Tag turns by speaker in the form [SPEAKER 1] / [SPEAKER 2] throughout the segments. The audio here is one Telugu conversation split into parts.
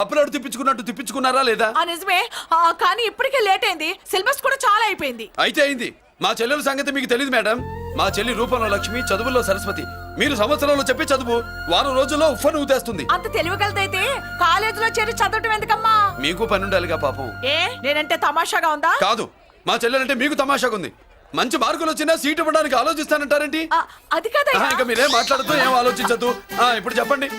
[SPEAKER 1] అప్లోడ్ తిప్పించుకున్నట్టు తిప్పించుకున్నారా లేదా?
[SPEAKER 2] నిజమే, కానీ ఇప్పటికే లేట్ అయింది. సిలబస్ కూడా చాలా అయిపోయింది.
[SPEAKER 1] అయితే అయింది. మా చెల్లెల సంగతి మీకు తెలియదు మేడం. మా చెల్లి రూపంలో లక్ష్మి, చదువుల్లో సరస్వతి. మీరు సంవత్సరంలో చెప్పే చదువు వారం రోజుల్లో ఉఫ్ఫను ఊదేస్తుంది.
[SPEAKER 2] అంత తెలివిగలదైతే కాలేజీలో చేరి చదవటం ఎందుకమ్మా?
[SPEAKER 1] మీకు పని ఉండాలిగా పాపం.
[SPEAKER 2] నేనంటే తమాషాగా ఉందా?
[SPEAKER 1] కాదు, మా చెల్లెలంటే మీకు తమాషాగా ఉంది. మంచి మార్కులు వచ్చినా సీట్ ఇవ్వడానికి ఆలోచిస్తానంటారేంటి?
[SPEAKER 2] అది కదా.
[SPEAKER 1] ఇంకా మీరేం మాట్లాడుతూ ఏం ఆలోచించద్దు. ఇప్పుడు చెప్పండి.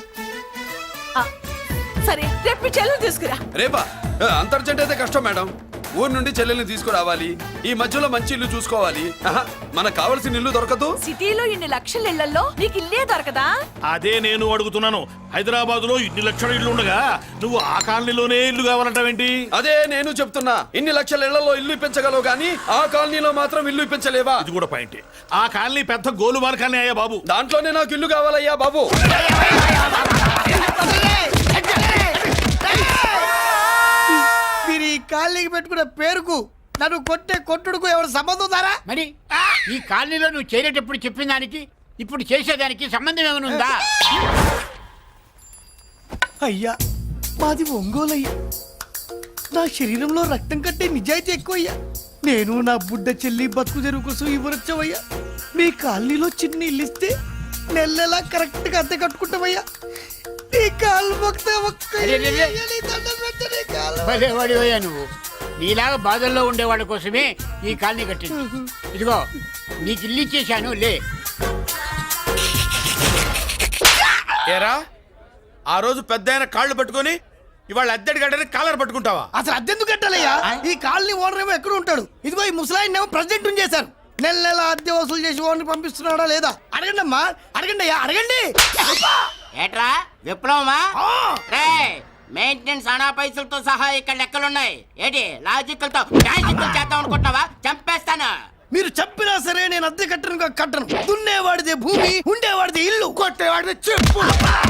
[SPEAKER 2] సరే, రేపు మీ చెల్లెలు తీసుకురా.
[SPEAKER 1] రేపా? అంత అర్జెంట్ అయితే కష్టం మేడం. ఊరు నుండి చెల్లెల్ని తీసుకురావాలి. ఈ మధ్యలో మంచి ఇల్లు చూసుకోవాలి. మనకు కావాల్సిన ఇల్లు దొరకదు.
[SPEAKER 2] సిటీలో ఇన్ని లక్షల ఇళ్లలో నీకు ఇల్లే దొరకదా?
[SPEAKER 3] అదే నేను అడుగుతున్నాను. హైదరాబాద్ లో ఇన్ని లక్షల ఇల్లు ఉండగా నువ్వు ఆ కాలనీలోనే ఇల్లు కావాలంటావేంటి?
[SPEAKER 1] అదే నేను చెప్తున్నా. ఇన్ని లక్షల ఇళ్లలో ఇల్లు ఇప్పించగలవు కానీ ఆ కాలనీలో మాత్రం ఇల్లు ఇప్పించలేవా?
[SPEAKER 3] ఇది కూడా పాయింటే. ఆ కాలనీ పెద్ద గోలుమార్ కాలనీ అయ్యా బాబు.
[SPEAKER 1] దాంట్లోనే నాకు ఇల్లు కావాలయ్యా బాబు.
[SPEAKER 4] మీరు ఈ కాలనీకి పెట్టుకున్న పేరుకు నన్ను కొట్టే కొట్టుడుకు ఎవరు సంబంధం ఉందారా?
[SPEAKER 5] మరి ఈ కాలనీలో నువ్వు చేరేటప్పుడు చెప్పిన దానికి ఇప్పుడు చేసేదానికి సంబంధం ఏమైనా ఉందా?
[SPEAKER 4] అయ్యా, మాది ఒంగోలు అయ్యా. నా శరీరంలో రక్తం కట్టే నిజాయితీ ఎక్కువ అయ్యా. నేను నా బుడ్డ చెల్లి బతుకు తెరువు కోసం ఇవ్వరొచ్చావయ్యా. మీ కాలనీలో చిన్న ఇల్లు ఇస్తే నెలలా కరెక్ట్ గా అద్దె కట్టుకుంటామయ్యా. నీ కాలు
[SPEAKER 5] భలేవాడివయ్యా నువ్వు. నీలాగా బాధల్లో ఉండేవాళ్ళ కోసమే ఈ కాలనీ కట్టింది. ఇదిగో నీకు ఇల్లు ఇచ్చేశాను, లే.
[SPEAKER 6] ఏరా, ఆ రోజు పెద్ద కాళ్ళు పట్టుకొని ఇవాళ అద్దెడి గడ్డని కాలర్ పట్టుకుంటావా?
[SPEAKER 4] అసలు అద్దెందుకు కట్టాలయ్యా? ఈ కాలనీ ఓనర్ ఏమో ఎక్కడ ఉంటాడు? ఇదిగో ఈ ముసలాయిని ఏమో ప్రెసిడెంట్ చేశారు. నెల నెల అద్దె వసూలు చేసి ఓనర్ పంపిస్తున్నాడా లేదా? అడగండి అమ్మా, అడగండి అయ్యా, అడగండి.
[SPEAKER 7] ఏట్రా విప్లవమా? మెయింటెనెన్స్ అనా పైసలతో సహా ఇక్కడ లెక్కలున్నాయి. ఏంటి లాజికల్ తో చేద్దాం అనుకుంటున్నావా? చంపేస్తాను.
[SPEAKER 4] మీరు చెప్పినా సరే నేను అద్దె కట్టను. దున్నేవాడిదే భూమి, ఉండేవాడిదే ఇల్లు, కొట్టేవాడిదే చెప్పు.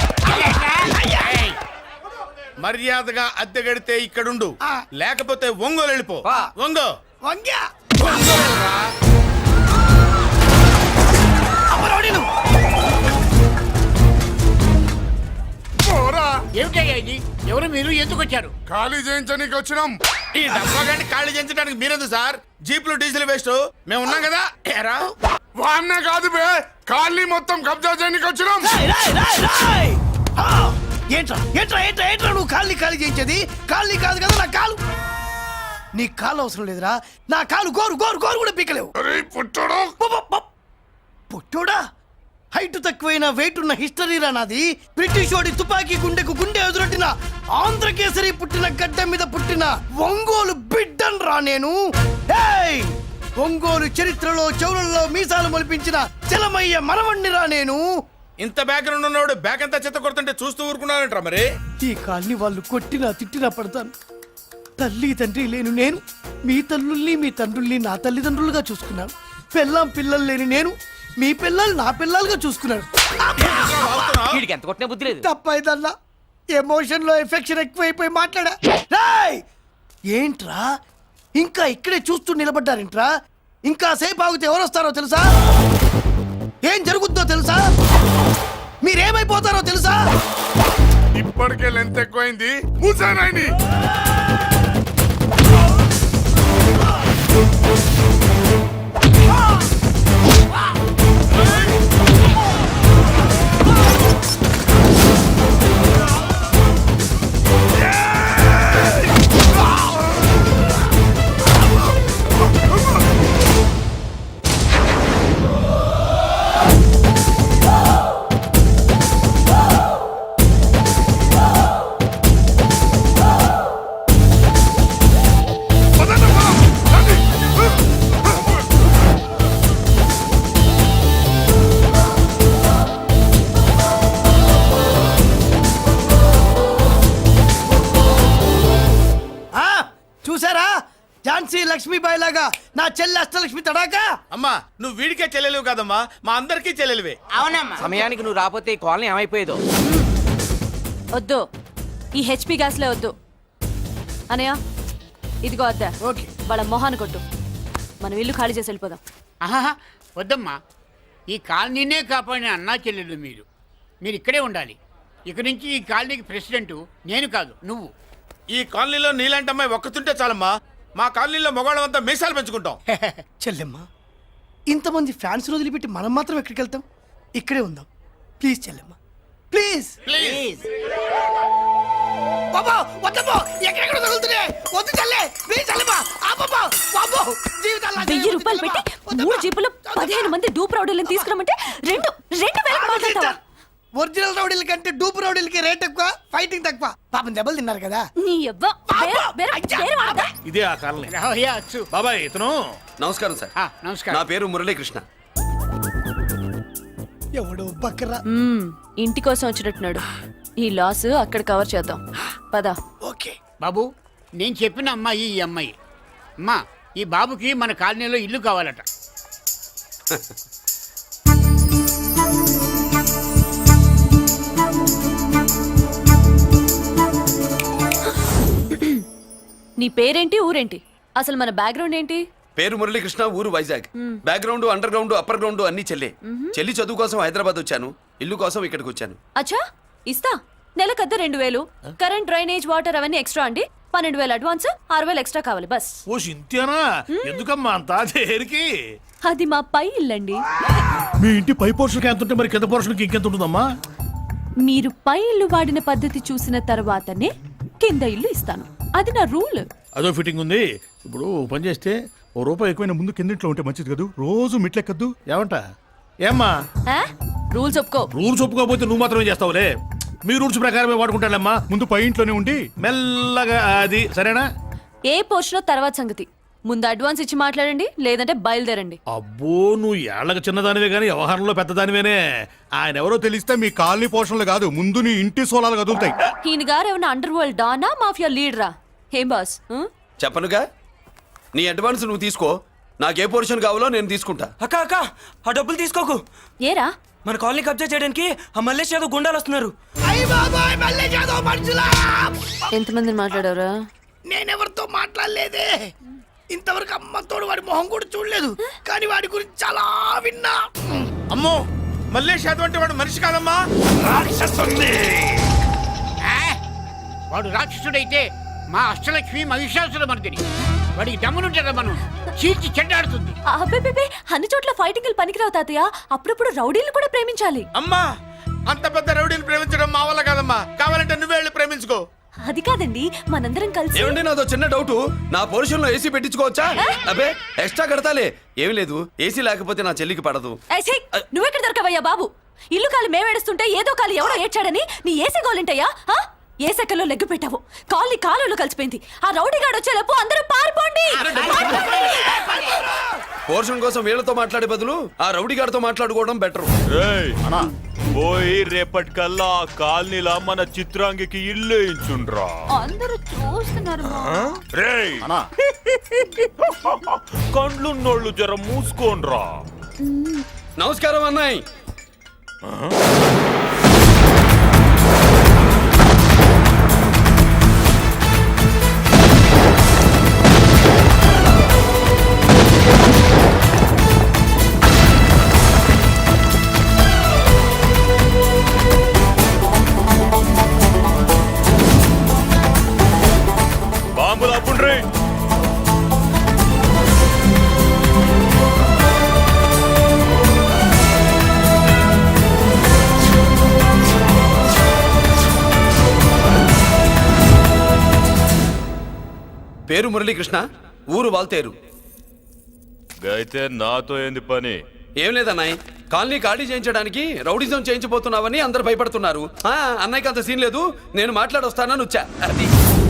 [SPEAKER 6] మర్యాదగా అద్దె గడితే ఇక్కడుండు, లేకపోతే ఒంగోలు వెళ్ళిపో.
[SPEAKER 4] వంగ్యా
[SPEAKER 5] ఏమిటయ్యా ఇది? ఎవరు మీరు? ఎందుకు వచ్చారు?
[SPEAKER 6] ఖాళీ చేయించడానికి వచ్చినాం. ఈ డబ్బా గంట ఖాళీ చేయించడానికి మీరెందు సార్? జీప్లు డీజిల్ వేస్ట్, మేము ఉన్నాం కదా. ఏరా వాన్న కాదు బే, ఖాళీ మొత్తం కబ్జా చేయడానికి వచ్చినాం.
[SPEAKER 4] ఏంట్రా నువ్వు కాళ్ళని ఖాళీ చేయించేది? కాళ్ళని కాదు కదా నా కాలు. నీ కాలు అవసరం లేదురా. నా కాలు గోరు కూడా పీకలేవు. పుట్టోడా, హైట్ తక్కువైన వెయిట్ ఉన్న హిస్టరీరా నాది. బ్రిటిష్ వాడి తుపాకీ గుండెకు గుండె ఎదురొట్టిన ఆంధ్రకేసరి పుట్టిన గడ్డ మీద పుట్టిన ఒంగోలు బిడ్డన్ రా నేను. ఒంగోలు చరిత్రలో చౌరల్లో మీసాలు మొలిపించిన చలమయ్య మనవణ్ణి రా నేను.
[SPEAKER 6] ఇంత బ్యాక్గ్రౌండ్ ఉన్నవాడు బ్యాక్ అంతా చెత్త కొడుతుంటే చూస్తూ ఊరుకున్నాడంటారా? మరి
[SPEAKER 4] ఈ కాల్ని వాళ్ళు కొట్టినా తిట్టినా పడతాను. తల్లి తండ్రి లేను నేను మీ తల్లుల్ని మీ తండ్రుల్ని నా తల్లిదండ్రులుగా చూసుకున్నాను. పెళ్ళాం పిల్లలు లేని నేను మీ పిల్లలు నా పిల్లలుగా చూసుకున్నాను. తప్పైదల్లా ఎమోషన్ లో ఎఫెక్షన్ ఎక్కువైపోయి మాట్లాడా. ఏంట్రా ఇంకా ఇక్కడే చూస్తూ నిలబడ్డారేంట్రా? ఇంకా సేపు ఆగితే ఎవరు వస్తారో తెలుసా? ఏం జరుగుద్దో తెలుసా? మీరేమైపోతారో తెలుసా?
[SPEAKER 6] ఇప్పటికే లెంత్ ఎక్కువైంది. మూసానాయని
[SPEAKER 4] లక్ష్మీబాయి లాగా నా చెల్లి అష్టలక్ష్మి తడాకా.
[SPEAKER 6] అమ్మా, నువ్వు వీడికే చెల్లెలివి కాదమ్మా, మా అందరికీ చెల్లెలివే.
[SPEAKER 7] అవునమ్మా.
[SPEAKER 8] సమయానికి నువ్వు రాకపోతే కాలనీ ఏమైపోయేదో.
[SPEAKER 2] వద్దు, ఈ హెచ్పి గ్యాస్లే వద్దు. అనయ్య, ఇదిగో అద్దా.
[SPEAKER 4] ఓకే,
[SPEAKER 2] వాళ్ళ మొహాన్ని కొట్టు. మనం ఇల్లు ఖాళీ చేసి వెళ్ళిపోదాం.
[SPEAKER 5] వద్దమ్మా, ఈ కాలనీనే కాపాడిన అన్నా చెల్లెలు మీరు ఇక్కడే ఉండాలి. ఇక నుంచి ఈ కాలనీకి ప్రెసిడెంట్ నేను కాదు నువ్వు.
[SPEAKER 6] ఈ కాలనీలో నీలాంటి అమ్మాయి ఒక్కతుంటే చాలమ్మా. మా కాలనీలో మగవాళ్ళంతా మీసాలు పెంచుకుంటాం.
[SPEAKER 4] చెల్లెమ్మ, ఇంతమంది ఫ్యాన్స్ వదిలిపెట్టి మనం మాత్రం ఎక్కడికి వెళ్తాం? ఇక్కడే ఉందాం ప్లీజ్ చెల్లెమ్మ, ప్లీజ్.
[SPEAKER 7] ప్లీజ్.
[SPEAKER 4] బాబా వద్దమ్మా, ఎక్కడెక్కడ తగులుతున్నాయి, వద్దు చెల్లె, ప్లీజ్ చెల్లెమ్మ, ఆపమ్మా, బాబో, జీవితాల్లో
[SPEAKER 2] 1000 రూపాయలు పెట్టి 3 జీపులు 15 మంది డూప్ రౌడీలను తీసుకురమ్మంటే 2,000 మాట్లాడతావా?
[SPEAKER 4] ఒరిజినల్ రౌడీల కంటే డూప్ రౌడీలకి రేట్ ఎక్కువ, ఫైటింగ్ తక్కువ. పాపం దెబ్బలు తిన్నారు కదా.
[SPEAKER 2] నీ యవ్వ వేరే వాడదా?
[SPEAKER 3] ఇదే ఆ కాలనీ.
[SPEAKER 5] రావయ్యా అచ్చు.
[SPEAKER 3] బాబాయ్ ఇతను
[SPEAKER 1] నమస్కారం సార్.
[SPEAKER 5] నమస్కారం.
[SPEAKER 1] నా పేరు మురళీకృష్ణ.
[SPEAKER 4] ఎవడో బక్కరా.
[SPEAKER 2] ఇంటి కోసం వచ్చినట్టున్నాడు. ఈ లాస్ అక్కడ కవర్ చేద్దాం పదా.
[SPEAKER 4] ఓకే
[SPEAKER 5] బాబు, నేను చెప్పిన అమ్మాయి ఈ అమ్మాయి. అమ్మా, ఈ బాబుకి మన కాలనీలో ఇల్లు కావాలట.
[SPEAKER 2] నీ పేరేంటి, ఊరేంటి, అసలు మన బ్యాక్గ్రౌండ్ ఏంటి?
[SPEAKER 1] పేరు మురళీకృష్ణ, ఊరు Vizag. Background, under ground, upper ground అన్ని చెల్లి. చెల్లి చదువు కోసం హైదరాబాద్ వచ్చాను, ఇల్లు కోసం ఇక్కడికి వచ్చాను.
[SPEAKER 2] అచ్చా, ఇస్తా. నెలకద్ద 2000, కరెంట్, డ్రైనేజ్, వాటర్ అవన్నీ ఎక్స్ట్రా అండి. 12,000 అడ్వాన్స్, 6,000 ఎక్స్ట్రా కావాలి బస్.
[SPEAKER 3] ఓ సింత్యానా, ఎందుకమ్మా అంత దేనికి?
[SPEAKER 2] అది మా పై ఇల్లండి.
[SPEAKER 3] మీ ఇంటి పై పోర్షన్కి ఎంత ఉంటే మరి కింద పోర్షన్కి ఇంకెంత ఉంటుందమ్మా?
[SPEAKER 2] మీరు పై ఇల్లు వాడిన పద్ధతి చూసిన తర్వాతనే కింద ఇల్లు ఇస్తాను. అది నా రూల్.
[SPEAKER 3] అదో ఫిట్టింగ్ ఉంది. ఇప్పుడు ఓ పని చేస్తే ₹1 ఎక్కువైనా ముందు కిందింట్లో ఉంటే మంచిది కదా, రోజు మెట్లెక్కద్దు. ఏమంట? ఏమ్మా,
[SPEAKER 2] రూల్స్ ఒప్పుకో.
[SPEAKER 3] రూల్స్ ఒప్పుకోకపోతే నువ్వు మాత్రమే చేస్తావులే. మీ రూల్స్ ప్రకారమే వాడుకుంటానమ్మా. ముందు పై ఇంట్లోనే ఉండి మెల్లగా, అది సరేనా?
[SPEAKER 2] ఏ పోర్షన్ తర్వాత సంగతి. ముందు అడ్వాన్స్ ఇచ్చి మాట్లాడండి, లేదంటే బయలుదేరండి.
[SPEAKER 3] అబ్బో, నువ్వు ఏళ్ళకి చిన్నదానివే గానీ వ్యవహారంలో పెద్దదానివేనే. ఆయన ఎవరో తెలిస్తే మీ కాలనీ పోషణలు కాదు, ముందు నీ ఇంటి సోలాలు కదులుతాయి.
[SPEAKER 2] ఈయన గారు ఏమన్నా అండర్ వరల్డ్ డానా, మాఫియా లీడరా? ఏం బాస్?
[SPEAKER 1] చెప్పనుగా, నీ అడ్వాన్స్ నువ్వు తీసుకో, నాకు ఏ పోర్షన్ కావాలో నేను తీసుకుంటా.
[SPEAKER 8] అక్క అక్క, ఆ డబ్బులు తీసుకోకు.
[SPEAKER 2] ఏరా?
[SPEAKER 8] మన కాలనీ కబ్జా చేయడానికి ఆ మల్లేష్ యాదవ్ గుండాలు వస్తున్నారు.
[SPEAKER 4] అయ్య బాబాయ్, మళ్ళీ చదువు మనుషులా.
[SPEAKER 2] ఎంతమందిని మాట్లాడారా?
[SPEAKER 4] నేనెవరితో మాట్లాడలేదే. ఇంతవరకు అమ్మతోడు వాడి మొహం కూడా చూడలేదు, కానీ వాడి గురించి చాలా విన్నా.
[SPEAKER 6] అమ్మో, మల్లేష్ యాదవ్ అంటే వాడు మనిషి కాదమ్మా.
[SPEAKER 5] వాడు రాక్షసుడైతే మా అష్టలక్ష్మి మహిషాసుల మర్దిని. వాడికి దమ్మునుంటారా మనం చీల్చి చెడ్డాడుతుంది.
[SPEAKER 2] అబ్బే, అన్ని చోట్ల ఫైటింగ్ పనికిరావు తాతయ్య. అప్పుడప్పుడు రౌడీలు కూడా ప్రేమించాలి.
[SPEAKER 6] అమ్మా, అంత పెద్ద రౌడీని ప్రేమించడం మా వల్ల కాదమ్మా. కావాలంటే నువ్వే వెళ్ళి ప్రేమించుకో.
[SPEAKER 2] అది కాదండి, మనందరం కలిసి.
[SPEAKER 1] ఏమండి, నాదో చిన్న డౌట్. నా పోర్షన్ లో ఏసీ పెట్టించుకోవచ్చా? అబ్బే, ఎక్స్ట్రా కడతాలే. ఏమి లేదు, ఏసీ లేకపోతే నా చెల్లికి పడదు.
[SPEAKER 2] నువ్వెక్కడ దొరకవయ్యా బాబు? ఇల్లు కాలు మేమేడుస్తుంటే ఏదో కాలు ఎవరో ఏడ్చాడని నీ ఏసీ గోలింటయ్యా? ఏ సెకల్లో లెగ్గు పెట్టావు, కాలి కాలులో కలిసిపోయింది. ఆ రౌడీగాడు వచ్చేలోపు అందరూ పారిపోండి.
[SPEAKER 1] పోర్షన్ కోసం వీళ్ళతో మాట్లాడే బదులు ఆ రౌడీ గారితో మాట్లాడుకోవడం బెటర్.
[SPEAKER 9] పోయి రేపటికల్లా ఆ కాలనీలా మన చిత్రాంగికి ఇల్లు ఇచ్చుండ్రా.
[SPEAKER 2] అందరూ చూస్తున్నారు.
[SPEAKER 9] రేయ్, కండ్లున్నోళ్ళు జర మూసుకోండ్రా.
[SPEAKER 1] నమస్కారం అన్నాయ్.
[SPEAKER 9] బాంబులు అప్పుండ్రీ.
[SPEAKER 1] పేరు మురళీకృష్ణ, ఊరు వాల్తేరు.
[SPEAKER 9] అయితే నాతో ఏంది పని?
[SPEAKER 1] ఏం లేదన్నాయ్, కాలనీ ఖాళీ చేయించడానికి రౌడిజం చేయించబోతున్నావని అందరు భయపడుతున్నారు. అన్నయ్యకి అంత సీన్ లేదు, నేను మాట్లాడొస్తానని వచ్చా. అది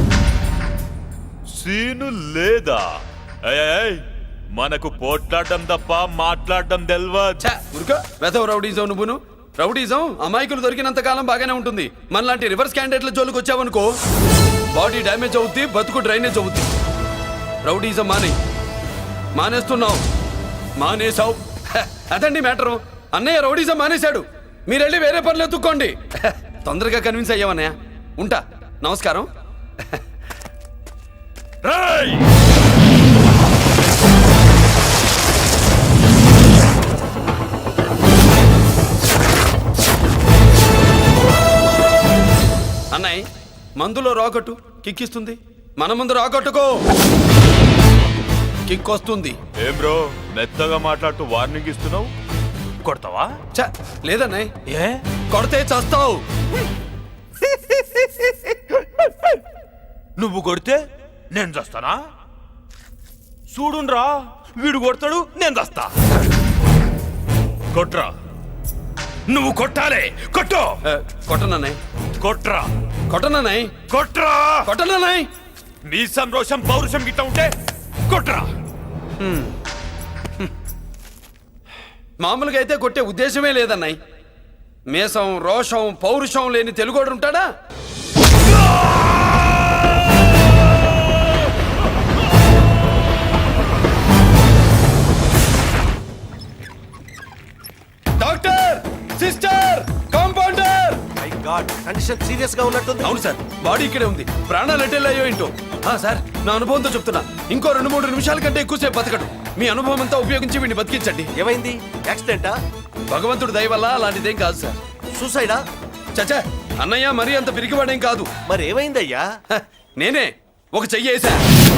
[SPEAKER 9] సీను లేదా? ఏయ్, మనకు పోట్లాడడం తప్ప మాట్లాడడం తెల్వా.
[SPEAKER 1] వెధవ రౌడీజం నువ్వును. రౌడీజం అమాయకులు దొరికినంత కాలం బాగానే ఉంటుంది. మనలాంటి రివర్స్ క్యాండిడేట్ల జోలికి వచ్చావనుకో, బాడీ డ్యామేజ్ అవుద్ది, బతుకు డ్రైనేజ్ అవుద్ది. రౌడీజం మానేస్తున్నావు, మానేసావు. అదండి మ్యాటరు. అన్నయ్య రౌడీజం మానేశాడు, మీరెళ్ళి వేరే పనులు ఎత్తుక్కోండి. తొందరగా కన్విన్స్ అయ్యావన్నయ్య. ఉంటా, నమస్కారం.
[SPEAKER 9] రేయ్,
[SPEAKER 1] అన్నయ్య మందులో రాకట్టు కిక్కిస్తుంది, మన ముందు రాకట్టుకో కిక్ వస్తుంది.
[SPEAKER 9] ఏం బ్రో మెత్తగా మాట్లాడుతూ వార్నింగ్ ఇస్తున్నావు? కొడతావా?
[SPEAKER 1] ఛ, లేదన్నయ్య,
[SPEAKER 9] ఏ
[SPEAKER 1] కొడితే చస్తావు.
[SPEAKER 9] నువ్వు కొడితే నేను చస్తానా? చూడుండ్రా, వీడు కొడతాడు, నేను చస్తా. కొట్రా, నువ్వు కొట్టాలే, కొట్టు.
[SPEAKER 1] కొట్టనన్నయ్య,
[SPEAKER 9] కొట్రా,
[SPEAKER 1] కొట్టనన్నయ్య,
[SPEAKER 9] కొట్రా,
[SPEAKER 1] కొట్టనన్నయ్య.
[SPEAKER 9] నీ సంతోషం పౌరుషం గిట్ట ఉంటే కొట్రా.
[SPEAKER 1] మామూలుగా అయితే కొట్టే ఉద్దేశమే లేదన్నయ్య. మేషం రోషం పౌరుషం లేని తెలుగోడు ఉంటాడా? Doctor, sister, compounder.
[SPEAKER 10] Condition serious గా ఉన్నట్టుంది.
[SPEAKER 1] అవును సార్, బాడీ ఇక్కడే ఉంది, ప్రాణాలు ఎట్టెళ్ళాయో ఏంటో. సార్, నా అనుభవంతో చెప్తున్నా, ఇంకో 2-3 నిమిషాల కంటే ఎక్కువసేపు బతకడు. మీ అనుభవం అంతా ఉపయోగించి వీడిని బతికించండి.
[SPEAKER 10] ఏమైంది? యాక్సిడెంటా?
[SPEAKER 1] భగవంతుడు దయ వల్ల అలాంటిదేం కాదు సార్.
[SPEAKER 10] సూసైడా?
[SPEAKER 1] చచ్చా, అన్నయ్య మరీ అంత పిరికివాడేం కాదు.
[SPEAKER 10] మరి ఏమైందయ్యా?
[SPEAKER 1] నేనే ఒక చెయ్యేసా.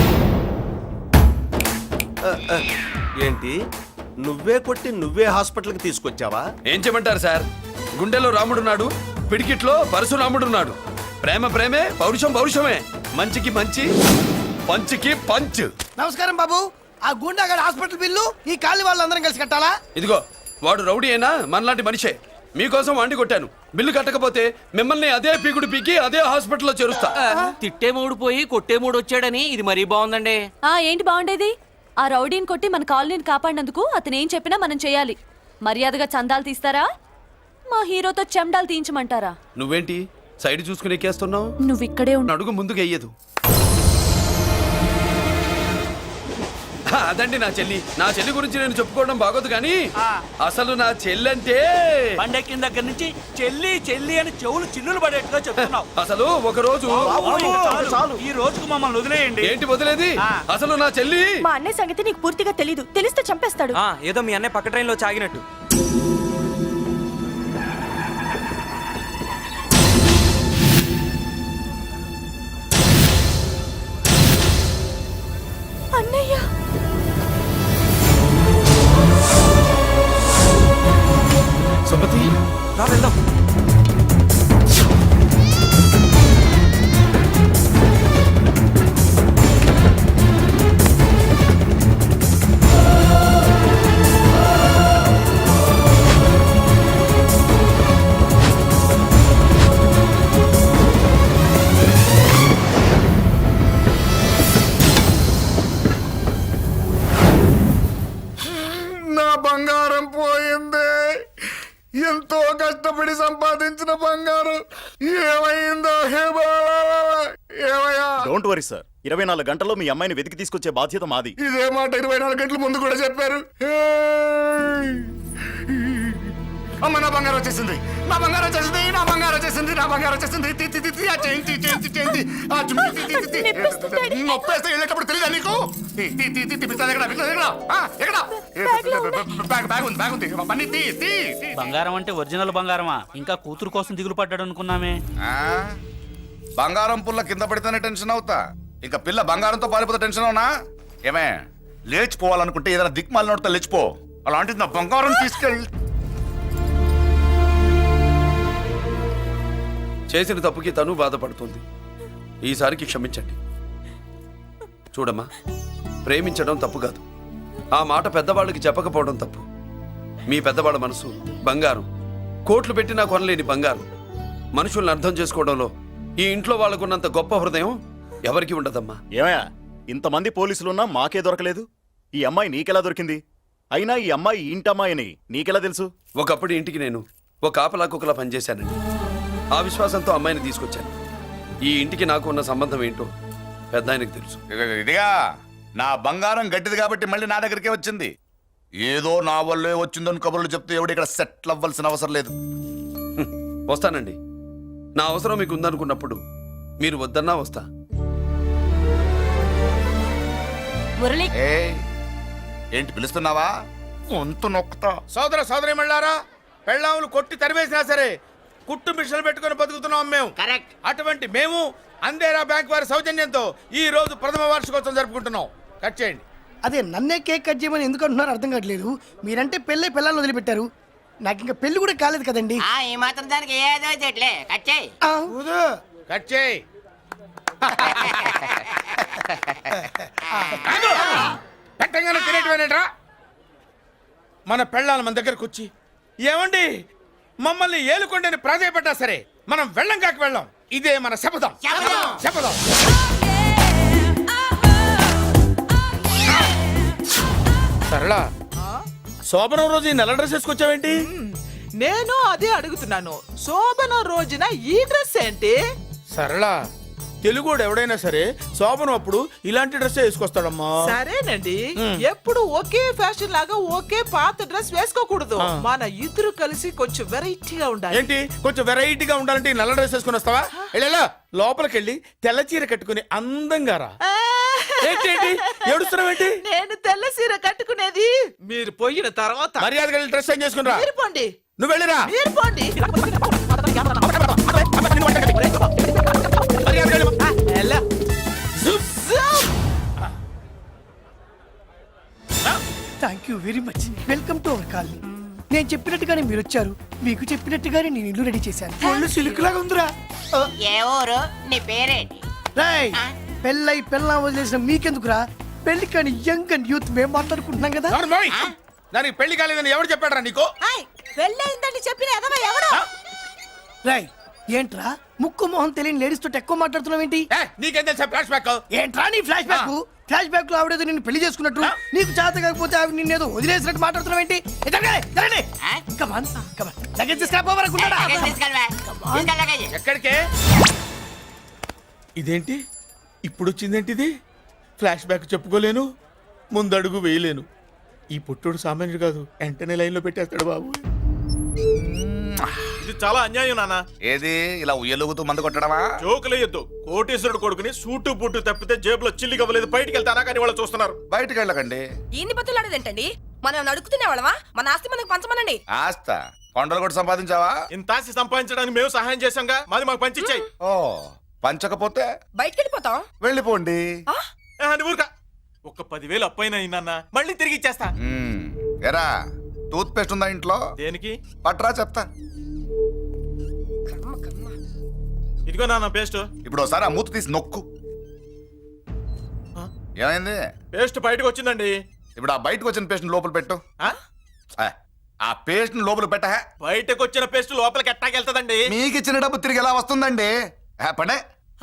[SPEAKER 10] ఏంటి, నువ్వే కొట్టి నువ్వే హాస్పిటల్కి తీసుకొచ్చావా?
[SPEAKER 1] ఏం చేయమంటారు సార్, గుండెలో రాముడున్నాడు, పిడికిట్లో పరశురాముడున్నాడు. ప్రేమ ప్రేమే, పౌరుషం పౌరుషమే, మంచికి మంచి, పంచికి పంచ్.
[SPEAKER 4] నమస్కారం బాబు. ఆ గుండాగడ్ హాస్పిటల్ బిల్లు ఈ కాలి వాళ్ళందరం కలిసి కట్టాలా?
[SPEAKER 1] ఇదిగో, వాడు రౌడీ అయినా మనలాంటి మనిషే. మీకోసం వండి కొట్టాను. బిల్లు కట్టకపోతే మిమ్మల్ని అదే పీకుడు పీకి అదే హాస్పిటల్లో చేరుస్తా.
[SPEAKER 8] తిట్టే మూడు పోయి కొట్టే మూడు వచ్చాడని ఇది మరీ బాగుందండి.
[SPEAKER 2] ఏంటి బాగుండేది? ఆ రౌడీని కొట్టి మన కాలనీని కాపాడినందుకు అతను ఏం చెప్పినా మనం చేయాలి. మర్యాదగా చందాలు తీస్తారా, మా హీరోతో చెండాలు తీయించమంటారా?
[SPEAKER 1] నువ్వేంటి సైడ్ చూసుకుని ఎక్కేస్తున్నావు?
[SPEAKER 2] నువ్వు ఇక్కడే ఉండు.
[SPEAKER 1] అడుగు ముందుకు వెయ్యదు. అదండి నా చెల్లి. నా చెల్లి గురించి నేను చెప్పుకోవడం బాగోదు కానీ అసలు నా చెల్లంటే
[SPEAKER 8] పండెక్కిన దగ్గర నుంచి చెల్లి చెల్లి అని చెవులు చిల్లులు పడేట్టుగా చెప్తున్నావు.
[SPEAKER 1] అసలు ఒక రోజు
[SPEAKER 8] చాలు, ఈ రోజుకు మమ్మల్ని వదిలేయండి.
[SPEAKER 1] ఏంటి వదిలేది? అసలు నా చెల్లి.
[SPEAKER 2] మా అన్నయ్య సంగతి నీకు పూర్తిగా తెలీదు. తెలిస్తే చంపేస్తాడు.
[SPEAKER 8] ఏదో మీ అన్నయ్య పక్క ట్రైన్లో చాగినట్టు.
[SPEAKER 2] అన్నయ్య,
[SPEAKER 1] సుమతి,
[SPEAKER 8] రా వెళ్దాం.
[SPEAKER 6] నా బంగారం పోయింది. ఎంతో కష్టపడి సంపాదించిన బంగారం ఏమైందో హే బాబా, ఏమయ్యా?
[SPEAKER 11] డోంట్ వరీ సార్, 24 గంటల్లో మీ అమ్మాయిని వెతికి తీసుకొచ్చే బాధ్యత మాది.
[SPEAKER 6] ఇదే మాట 24 గంటల ముందు కూడా చెప్పారు. అమ్మ, నా బంగారం వచ్చేసింది, నా బంగారం వచ్చేసింది, నా బంగారం వచ్చేసింది, నా బంగారం వచ్చేసింది. ఆ చేయించి చేయించి చేయించి ఆ చుమ్మి నొప్పేస్తే వెళ్ళేటప్పుడు తెలియదా నీకు? బ్యాగ్ ఉంది పని తీ.
[SPEAKER 8] బంగారం అంటే ఒరిజినల్ బంగారమా? ఇంకా కూతురు కోసం దిగులు పడ్డాడు అనుకున్నామే.
[SPEAKER 6] బంగారం పుల్ల కింద పడితేనే టెన్షన్ అవుతా, ఇంకా పిల్ల బంగారంతో పారిపోతే టెన్షన్ అవునా? ఏమే, లేచిపోవాలనుకుంటే ఏదైనా దిక్మాలినోడితో లేచిపో. అలాంటిది నా బంగారం తీసుకెళ్ళి.
[SPEAKER 1] చేసిన తప్పుకి తను బాధపడుతుంది. ఈసారికి క్షమించండి. చూడమ్మా, ప్రేమించడం తప్పు కాదు, ఆ మాట పెద్దవాళ్ళకి చెప్పకపోవడం తప్పు. మీ పెద్దవాళ్ళ మనసు బంగారం, కోట్లు పెట్టినా కొనలేని బంగారం. మనుషుల్ని అర్థం చేసుకోవడంలో ఈ ఇంట్లో వాళ్ళకున్నంత గొప్ప హృదయం ఎవరికి ఉండదమ్మా.
[SPEAKER 11] ఏమయ్యా, ఇంతమంది పోలీసులున్నా మాకే దొరకలేదు. ఈ అమ్మాయి నీకెలా దొరికింది? అయినా ఈ అమ్మాయి ఈ ఇంటమ్మాయి అని నీకెలా తెలుసు?
[SPEAKER 1] ఒకప్పుడు ఇంటికి నేను ఒక ఆపలా కుక్కలా పనిచేశానండి. ఆ విశ్వాసంతో అమ్మాయిని తీసుకొచ్చాను. ఈ ఇంటికి నాకు ఉన్న సంబంధం ఏంటో పెద్ద ఆయనకు తెలుసు.
[SPEAKER 6] ఇదిగా నా బంగారం గట్టిది కాబట్టి మళ్ళీ నా దగ్గరికే వచ్చింది. ఏదో నా వల్లే వచ్చిందని కబుర్లు చెప్తే ఎవడు ఇక్కడ సెటిల్ అవ్వాల్సిన అవసరం లేదు.
[SPEAKER 1] వస్తానండి. నా అవసరం మీకు ఉందనుకున్నప్పుడు మీరు వద్దన్నా వస్తా.
[SPEAKER 2] మురళి,
[SPEAKER 6] ఏంటి పిలుస్తున్నావా? వంతు నొక్కుతా. సోదర సోదరి మళ్ళారా, పెళ్ళాములు కొట్టి తరివేసినా సరే కుట్టు మిషన్లు పెట్టుకొని బతుకుతున్నాం మేము.
[SPEAKER 7] కరెక్ట్.
[SPEAKER 6] అటువంటి మేము అందేరా బ్యాంక్ వారి సౌజన్యంతో ఈ రోజు ప్రథమ వార్షికోత్సవం జరుపుకుంటున్నాం. కట్ చేయండి.
[SPEAKER 4] అదే నన్నే కేక్ కట్ చేయమని ఎందుకు అంటున్నారో అర్థం కావట్లేదు. మీరంటే పెళ్ళై పిల్లల్ని వదిలిపెట్టారు, నాకు ఇంకా పెళ్లి కూడా కాలేదు కదండి.
[SPEAKER 7] ఈ మాత్రం దానికి ఏదో చెట్లే కట్ చేయి.
[SPEAKER 4] ఆ,
[SPEAKER 6] కట్ చేయి. పెట్టంగానే తినేటివేనేట్రా? మన పెళ్ళాలు మన దగ్గరకు వచ్చి ఏమండి మమ్మల్ని ఏలుకొండని ప్రాధాయపడ్డా సరే మనం వెళ్ళం కాక వెళ్ళం. ఇదే మన శపథం. శపథం. సరళ, శోభనం రోజు ఈ నల్ల డ్రెస్ వేసుకొచ్చావేంటి?
[SPEAKER 8] నేను అదే అడుగుతున్నాను. శోభన రోజున ఈ డ్రెస్ ఏంటి?
[SPEAKER 6] సరళ, తెలుగుడు ఎవడైనా సరే శోభనం అప్పుడు ఇలాంటి డ్రెస్ వేసుకొస్తాడమ్మా.
[SPEAKER 8] సరేనండి, ఎప్పుడు ఒకే ఫ్యాషన్ లాగా ఒకే పాత డ్రెస్ వేసుకోకూడదు. మన ఇద్దరు కలిసి కొంచెం వెరైటీగా ఉండాలి.
[SPEAKER 6] ఏంటి కొంచెం వెరైటీగా ఉండాలంటే ఈ నల్ల డ్రెస్ వేసుకొని వస్తావా? వెళ్ళా లోపలికి వెళ్ళి తెల్ల చీర కట్టుకుని అందంగా రా. ఏంటి ఏడుస్తున్నావేంటి?
[SPEAKER 8] నేను తెల్ల సీర కట్టుకునేది మీరు పోయిన తర్వాత.
[SPEAKER 6] మర్యాదగా వెళ్ళి డ్రెస్ చేంజ్ చేసుకుని రా.
[SPEAKER 8] మీరు పోండి.
[SPEAKER 6] నువ్వు వెళ్ళిరా.
[SPEAKER 8] మీరు పోండి.
[SPEAKER 6] మర్యాదగా వెళ్ళి.
[SPEAKER 8] ఎలా?
[SPEAKER 4] Thank you very much. Welcome to our colony. నేను చెప్పినట్టుగానే మీరు వచ్చారు, మీకు చెప్పినట్టుగానే నేను ఇల్లు రెడీ చేశాను. ఒళ్ళు సిల్క్ లాగా ఉందిరా.
[SPEAKER 7] ఏ ఊరు? నీ పేరేంటి?
[SPEAKER 4] రాయ్, పెళ్ళై పెళ్ళా వదిలేసిన మీకెందుకురా? పెళ్లి కాని యంగ్ అండ్ యూత్ మేము మాట్లాడుకుంటున్నాం కదా.
[SPEAKER 6] నోర్మోయ్. దానికి పెళ్లి కాలేదని ఎవరు చెప్పాడరా నీకు?
[SPEAKER 8] పెళ్ళయిందని చెప్పిన ఎదవ ఎవడు?
[SPEAKER 4] రాయ్, ఏంట్రా ముక్కు మొహం తెలియని లేడీస్ తోటి ఎక్కువ మాట్లాడుతున్నావు ఏంటి?
[SPEAKER 6] నీకేం తెలుసా ఫ్లాష్ బ్యాక్?
[SPEAKER 4] ఏంట్రా నీ ఫ్లాష్ బ్యాక్? ఫ్లాష్ బ్యాక్ లో ఆవిడేదో నిన్ను పెళ్లి చేసుకున్నట్టు, నీకు చేత కాకపోతే ఆవిడ నిన్నేదో వదిలేసినట్టు మాట్లాడుతున్నావు ఏంటి? కమాన్ కమాన్, లగేజ్ తీసుకురాపోవరకుంటాడా?
[SPEAKER 6] ఎక్కడికే? ఇదేంటి ఇప్పుడు వచ్చిందేంటి? ఇది ఫ్లాష్ బ్యాక్ చెప్పుకోలేను, ముందడుగు వేయలేను. ఈ పుట్టుడు సామాన్యుడు కాదు, వెంటనే లైన్ లో పెట్టేస్తాడు బాబు.
[SPEAKER 3] ఇది చాలా అన్యాయం నాన్న.
[SPEAKER 6] ఏది ఇలా ఉయ్యలుగుతూ మందు కొట్టడమా?
[SPEAKER 3] జోకులేయొద్దు. కోటేశ్వరుడు కొడుకుని సూటు బూటు తప్పితే జేబులో చిల్లి కవ్వలేదు, బయటికి వెళ్తానా కానీ వాళ్ళు చూస్తున్నారు.
[SPEAKER 6] బయటకు వెళ్ళకండి.
[SPEAKER 2] ఈయన్ని బతులాడేదేంటండి? మనం నడుకుతునే వాళ్ళమా? మన ఆస్తి మనకు పంచమనండి.
[SPEAKER 6] ఆస్త కొండలు కూడా సంపాదించావా?
[SPEAKER 3] ఇంత ఆస్తి సంపాదించడానికి మేము సహాయం చేశాంగా, మాది మాకు పంచిచ్చాయి.
[SPEAKER 6] ఓ, పంచకపోతే
[SPEAKER 2] బయటికి వెళ్ళిపోతాం.
[SPEAKER 6] వెళ్ళిపోండి.
[SPEAKER 3] ఊరుక. ఒక్క 10,000 అప్పైనా నాన్న, మళ్ళీ తిరిగి ఇచ్చేస్తా.
[SPEAKER 6] ఎరా, టూత్ పేస్ట్ ఉందా ఇంట్లో?
[SPEAKER 3] దేనికి?
[SPEAKER 6] పట్రా చెప్తా.
[SPEAKER 3] ఇదిగో నాన్న పేస్ట్.
[SPEAKER 6] ఇప్పుడు ఒకసారి ఆ మూత తీసి నొక్కు. ఏమైంది?
[SPEAKER 3] పేస్ట్ బయటకు వచ్చిందండి.
[SPEAKER 6] ఇప్పుడు ఆ బయటకు వచ్చిన పేస్ట్ లోపల పెట్టు. ఆ పేస్ట్ లోపల పెట్ట.
[SPEAKER 3] బయటకు వచ్చిన పేస్ట్ లోపలికి ఎట్టాకెళ్తదండి?
[SPEAKER 6] మీకు ఇచ్చిన డబ్బు తిరిగి ఎలా వస్తుందండి? పడే.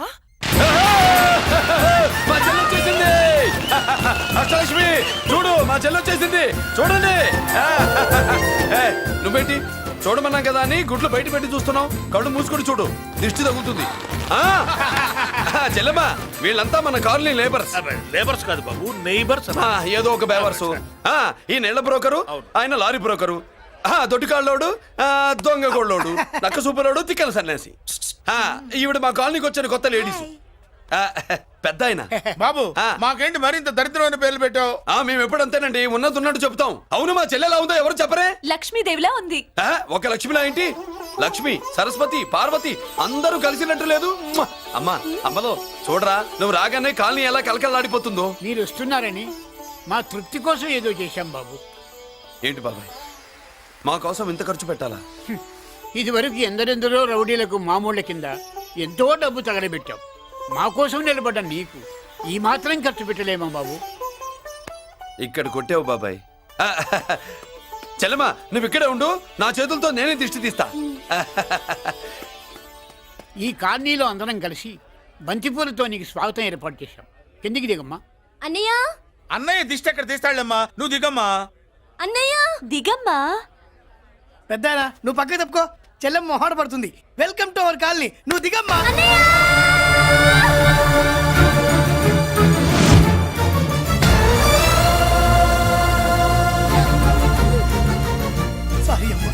[SPEAKER 1] మా చెల్లి వచ్చేసింది. అష్టలక్ష్మి చూడు, మా చెల్లి వచ్చేసింది చూడండి. నువ్వేంటి చూడమన్నాం కదా అని గుడ్లు బయట పెట్టి చూస్తున్నావు? కళ్ళు మూసుకొని చూడు, దిష్టి తగులుతుంది. చెల్లెమ్మా, వీళ్ళంతా మన కాలనీ లేబర్స్.
[SPEAKER 3] లేబర్స్ కాదు బాబు, నైబర్స్.
[SPEAKER 1] ఏదో ఒక బేవర్సు. ఈ నెల బ్రోకరు, ఆయన లారీ బ్రోకరు, దొడ్డికాళ్ళోడు, దొంగ గోళ్ళోడు, నక్క సూపరోడు, తిక్కల సన్యాసి. ఈవిడ మా కాలనీకి వచ్చిన కొత్త లేడీస్. పెద్ద ఆయన.
[SPEAKER 6] బాబు, మాకేంటి మరింత దరిద్రమైన పేర్లు పెట్టావు?
[SPEAKER 1] మేము ఎప్పుడంతేనండి, ఉన్నట్టు చెప్తాం. అవును, మా చెల్లెలా ఉందో ఎవరు చెప్పరే?
[SPEAKER 2] లక్ష్మీదేవిలా ఉంది.
[SPEAKER 1] ఒక లక్ష్మిలా ఏంటి? లక్ష్మి, సరస్వతి, పార్వతి అందరూ కలిసినట్టు లేదు. అమ్మా, అమ్మలో చూడరా, నువ్వు రాగానే కాలనీ ఎలా కలకలాడిపోతుందో.
[SPEAKER 5] మీరు వస్తున్నారని మా తృప్తి కోసం ఏదో చేశాం బాబు.
[SPEAKER 1] ఏంటి బాబాయ్, మా కోసం ఇంత ఖర్చు పెట్టాలా?
[SPEAKER 5] ఇదివరకు ఎందరెందరో రౌడీలకు మామూళ్ళ కింద ఎంతో డబ్బు తగలబెట్టాం. మా కోసం నిలబడ్డ నీకు ఈ మాత్రం ఖర్చు పెట్టలేమా బాబు?
[SPEAKER 1] ఇక్కడ కొట్టావు బాబాయ్. చెల్లెమ్మా, నువ్వు ఇక్కడే ఉండు, నా చేతులతో నేనే దిష్టి తీస్తా.
[SPEAKER 5] ఈ కాలనీలో అందరం కలిసి బంతిపూలతో నీకు స్వాగతం ఏర్పాటు చేశాం. కిందికి దిగమ్మా.
[SPEAKER 2] అన్నయ్య,
[SPEAKER 6] అన్నయ్య దిష్టి ఎక్కడ తీస్తాడమ్మా? నువ్వు దిగమ్మా.
[SPEAKER 2] అన్నయ్య దిగమ్మా.
[SPEAKER 4] పెద్దాయనా, నువ్వు పక్కకి తప్పుకో, చెల్లెమ్మ మొహాట పడుతుంది. Welcome to our colony. నువ్వు దిగమ్మా. సారీ అమ్మా.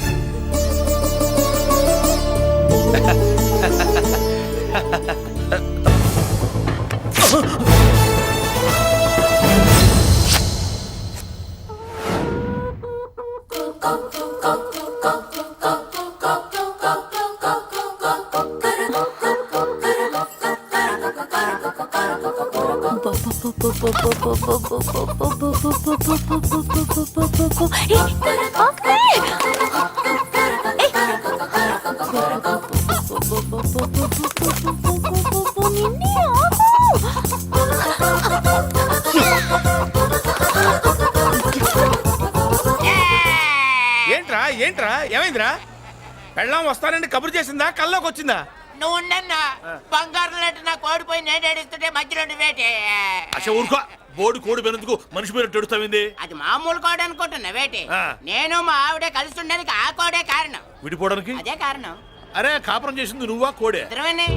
[SPEAKER 6] ఏంట్రా ఏంట్రా ఏమైందిరా పెళ్ళాం వస్తానండి కబురు చేసిందా కల్లోకి వచ్చిందా
[SPEAKER 7] నువ్వు ఉండన్నా బంగారం లాంటి నా కోడిపోయి నేను ఏడుస్తుంటే మధ్యలో నువ్వేటే
[SPEAKER 3] అసలు ఊరుకో బోర్డు కోడి పెనందుకు మనిషి మీద తెడుస్తావింది.
[SPEAKER 7] అది మామూలు కోడి అనుకుంటున్నా వేటి
[SPEAKER 3] ఆ.
[SPEAKER 7] నేను మా ఆవిడే కలిసి ఉండడానికి ఆ కోడే కారణం
[SPEAKER 3] విడిపోవడానికి
[SPEAKER 7] అదే కారణం
[SPEAKER 3] అరే కాపురం చేసింది నువ్వా కోడే?
[SPEAKER 7] ఇద్దరమేనే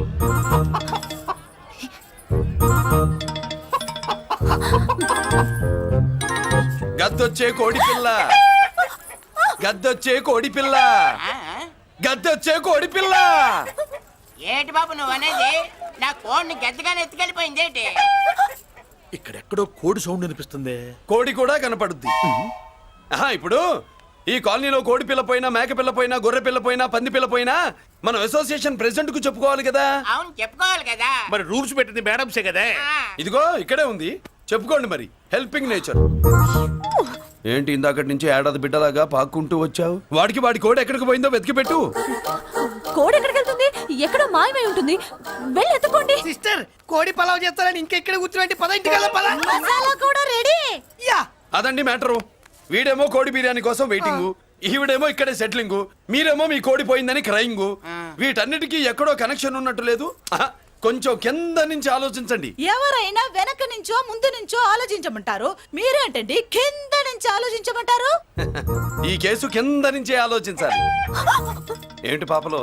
[SPEAKER 1] గద్దొచ్చే కోడి పిల్ల, గద్దొచ్చే కోడి పిల్ల,
[SPEAKER 7] ఆ?
[SPEAKER 1] గద్దొచ్చే కోడి పిల్ల.
[SPEAKER 7] ఏటి బాబు నువ్వు అనేది నా కోడిని గద్దగానే ఎత్తుకెళ్ళిపోయింది ఏంటి
[SPEAKER 3] ఇక్కడెక్కడో కోడి సౌండ్ అనిపిస్తుంది.
[SPEAKER 1] కోడి కూడా కనపడుద్ది. ఆహా, ఇప్పుడు ఈ కాలనీలో కోడి పిల్ల పోయినా, మేక పిల్ల పోయినా, గొర్రె పిల్ల పోయినా, పంది పిల్ల పోయినా మనం అసోసియేషన్ ప్రెసిడెంట్ కు చెప్పుకోవాలి కదా.
[SPEAKER 7] అవును చెప్పుకోవాలి కదా
[SPEAKER 3] మరి రూల్స్ పెట్టింది మేడంసే కదా.
[SPEAKER 7] ఆ.
[SPEAKER 1] ఇదిగో ఇక్కడే ఉంది, చెప్పుకోండి మరి. Helping nature. ఏంటి ఇందాకటి నుంచి ఏడాది బిడ్డలాగా పాక్కుంటూ వచ్చావు? వాడికి వాడి కోడి ఎక్కడికి పోయిందో వెతికి పెట్టు.
[SPEAKER 2] కోడి ఎక్కడికి వెళ్తుంది? ఎక్కడో మాయమై ఉంటుంది. వెళ్ళి ఎత్తుకోండి.
[SPEAKER 4] సిస్టర్ కోడి పలావ్ చేస్తారని ఇంకెక్కడ కూర్చోండి, పద ఇంటికి పద.
[SPEAKER 2] మసాలా కూడా రెడీ.
[SPEAKER 4] యా
[SPEAKER 1] అదండి మ్యాటరు. వీడేమో కోడి బిర్యానీ కోసం వెయిటింగ్, ఈవిడేమో ఇక్కడే సెటిలింగ్, మీరేమో మీ కోడి పోయిందని క్రయింగ్. వీటన్నిటికీ ఎక్కడో కనెక్షన్ ఉన్నట్టు లేదు. ఆహా, కొంచెం కింద నుంచి ఆలోచించండి.
[SPEAKER 8] ఎవరైనా వెనక నుంచో ముందు నుంచో ఆలోచించమంటారు, మీరేంటండి కింద నుంచి ఆలోచించమంటారు?
[SPEAKER 1] ఈ కేసు కింద నుంచే ఆలోచించాలి. ఏంటి పాపలో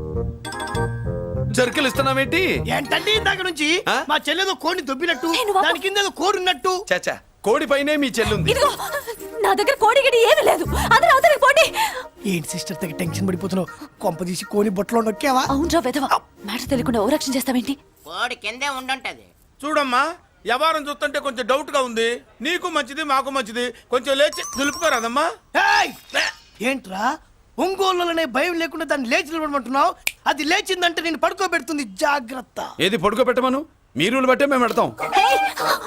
[SPEAKER 1] జర్కలు ఇస్తున్నావేంటి?
[SPEAKER 4] ఏంటండి ఇందాక నుంచి
[SPEAKER 1] ఆ?
[SPEAKER 4] మా చెల్లెదో కోడిని దొబ్బినట్టు,
[SPEAKER 2] నేను బాబు.
[SPEAKER 4] దాని కింద ఏదో కోడి ఉన్నట్టు.
[SPEAKER 1] చాచా, కోడి పైనే మీ చెల్లుంది.
[SPEAKER 2] ఇదిగో నా దగ్గర కోడి గిడి ఏమీ లేదు. అందరూ అవతలికి పోండి.
[SPEAKER 4] ఏంటి సిస్టర్ దగ్గర టెన్షన్ పడిపోతున్నావు? కొంప తీసి కోని బొట్టలో నొక్కావా?
[SPEAKER 2] అవునరా వెధవ, మాట తెలియకుండా ఓ రక్షణ చేస్తావేంటి?
[SPEAKER 7] కోడి కిందే ఉండుంటది
[SPEAKER 6] చూడమ్మా వ్యవహారం చూస్తుంటే కొంచెం డౌట్ గా ఉంది. నీకు మంచిది మాకు మంచిది, కొంచెం లేచి నిలుపుకోరాదమ్మా.
[SPEAKER 4] ఏయ్! ఏంట్రా ఒంగోలులోనే భయం లేకుండా దాన్ని లేచి నిలబడమంటున్నావు? అది లేచిందంటే నేను పడుకోబెడుతుంది, జాగ్రత్త.
[SPEAKER 1] ఏది పడుకోబెట్టమను, మీ రూల్ బట్టే మేము పెడతాం.
[SPEAKER 2] ఏయ్!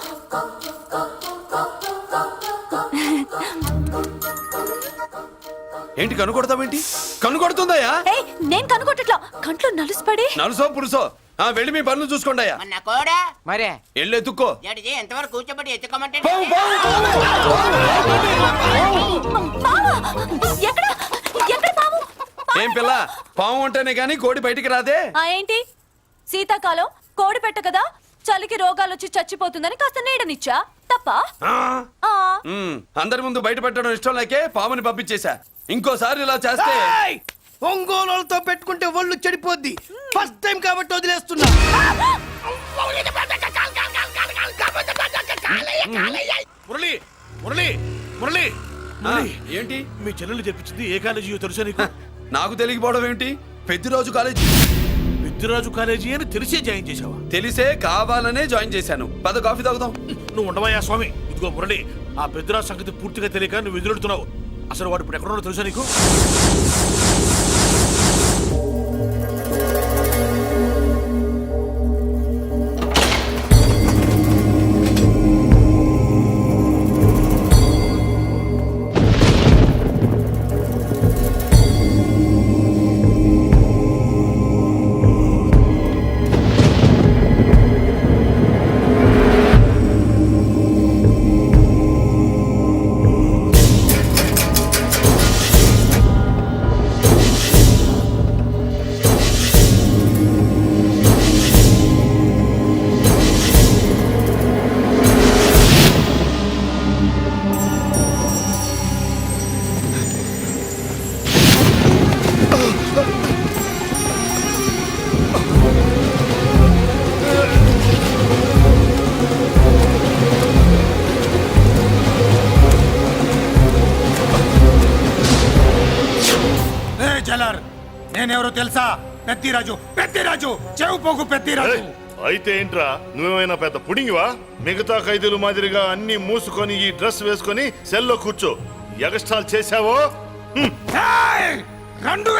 [SPEAKER 1] ఏంటి కనుకొడతావేంటి? కనుకొడుతుందయ్యా?
[SPEAKER 2] ఏయ్, నేను కనుగొట్టట్లా, కంట్లో నలుసుపడి.
[SPEAKER 1] నలుసో పురుసో వెళ్ళి మీ పనులు చూసుకోండి.
[SPEAKER 7] మన కోడా మరే
[SPEAKER 1] వెళ్ళి ఎత్తుక్కో.
[SPEAKER 7] జడిజీ ఎంతవరకు కూర్చోబెట్టి ఎత్తుకోమంటే
[SPEAKER 1] పావు, పావు,
[SPEAKER 2] పావా? ఎక్కడ ఎక్కడ పాము?
[SPEAKER 1] ఏం పిల్ల, పాము అంటేనే గాని కోడి బయటికి రాదే.
[SPEAKER 2] ఏంటి శీతాకాలం కోడి పెట్ట కదా, చలికి రోగాలు వచ్చి చచ్చిపోతుందని కాస్త నీడనిచ్చా, తప్ప?
[SPEAKER 1] ఆ?
[SPEAKER 2] ఆ.
[SPEAKER 1] అందరి ముందు బయట పెట్టడం ఇష్టం లేకే పాముని పంపించేశా. ఇంకోసారి ఇలా చేస్తే
[SPEAKER 4] ఏయ్! ఒంగోలులతో పెట్టుకుంటే ఒళ్ళు చెడిపోద్ది. ఫస్ట్ టైం కాబట్టి వదిలేస్తున్నా.
[SPEAKER 3] మురళి మురళి మురళి
[SPEAKER 1] ఆ, ఏంటి
[SPEAKER 3] మీ చెల్లెలు చెప్పించింది ఏ కాలేజీ తెలుసా నీకు?
[SPEAKER 1] నాకు తెలియకపోవడం ఏంటి? పెద్దిరాజు కాలేజీ.
[SPEAKER 3] పెద్దిరాజు కాలేజీ అని తెలిసే జాయిన్ చేసావా?
[SPEAKER 1] తెలిసే కావాలనే జాయిన్ చేశాను. పద కాఫీ తాగుదాం.
[SPEAKER 3] నువ్వు ఉండవయ్యా స్వామి. ఇదిగో మురళి, ఆ పెద్దిరాజు సంగతి పూర్తిగా తెలియక నువ్వు ఎదురెడుతున్నావు. అసలు వాడు ఇప్పుడు ఎక్కడున్నాడో తెలుసా నీకు?
[SPEAKER 6] నేనెవరో తెలుసా? పెద్దిరాజు, పెద్దిరాజు, చెవు పోగు పెద్దిరాజు.
[SPEAKER 11] అయితే ఏంట్రా, నువ్వేమైనా పెద్ద పుడింగివా? మిగతా ఖైదీలు మాదిరిగా అన్ని మూసుకొని ఈ డ్రెస్ వేసుకొని సెల్లో కూర్చో. ఎగస్ట్రాల్ చేశావో
[SPEAKER 6] రెండు